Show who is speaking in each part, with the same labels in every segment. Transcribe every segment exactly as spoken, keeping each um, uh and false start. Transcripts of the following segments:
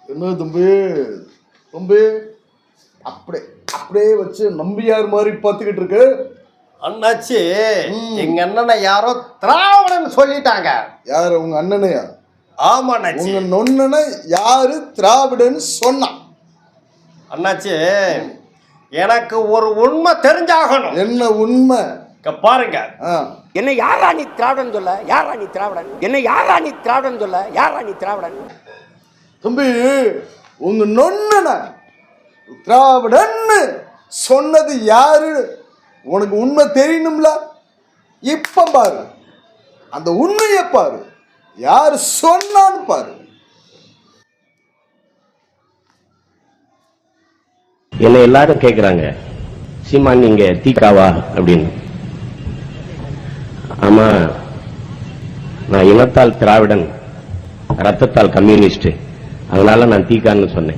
Speaker 1: என்ன தம்பி தம்பி அப்படியே அப்படியே வச்சு நம்பியார் மாதிரி பார்த்துக்கிட்டு இருக்கு.
Speaker 2: அண்ணாச்சி எங்க அண்ணனை யாரோ திராவிடன் சொல்லிட்டாங்க.
Speaker 1: யாரு உங்க அண்ணனையா?
Speaker 2: ஆமா அண்ணாச்சி.
Speaker 1: உங்க நொண்ணனை யாரு திராவிடன் சொன்னான்?
Speaker 2: அண்ணாச்சி எனக்கு ஒரு உண்மை தெரிஞ்சாகணும்.
Speaker 1: என்ன உண்மை?
Speaker 2: பாருங்க.
Speaker 3: என்ன யாரா நீ திராவிடன் சொல்ல? யாரா நீ திராவிடன்? என்ன யாரா நீ திராவிடன் சொல்ல? யாரா நீ திராவிடன்?
Speaker 1: தம்பி உங்க நொண்ணன திராவிடன் சொன்னது யாரு உனக்கு உண்மை தெரியணும்ல? இப்ப பாரு, அந்த உண்மையை பாரு, யாரு சொன்னான்னு பாரு.
Speaker 4: என்ன எல்லாரும் கேக்குறாங்க, சீமான் நீங்க தீக்காவா அப்படின்னு. ஆமா, நான் இனத்தால் திராவிடன், ரத்தத்தால் கம்யூனிஸ்ட், அதனால நான் தீக்கான்னு சொன்னேன்.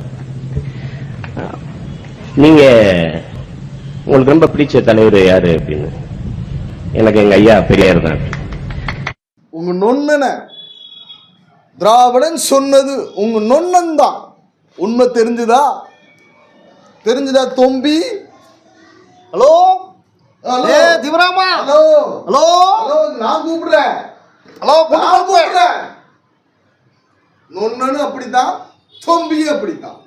Speaker 4: நீங்க உங்களுக்கு ரொம்ப பிடிச்ச தலைவர் யாரு அப்படின்னு. எனக்கு எங்க ஐயா பெரியார் தான்.
Speaker 1: உங்க நொண்ணன திராவிடன் சொன்னது உங்க நொண்ணன் தான். உண்மை தெரிஞ்சுதா? தெரிஞ்சுதா தொம்பி?
Speaker 2: ஹலோ
Speaker 1: ஹலோ
Speaker 2: ஏ திவராமா.
Speaker 1: ஹலோ
Speaker 2: ஹலோ
Speaker 1: ஹலோ நான் கூப்பிடுறேன்.
Speaker 2: ஹலோ
Speaker 1: நான் கூப்பிடுறேன். நொண்ணனு அப்படித்தான், தொம்பியும் அப்படித்தான்.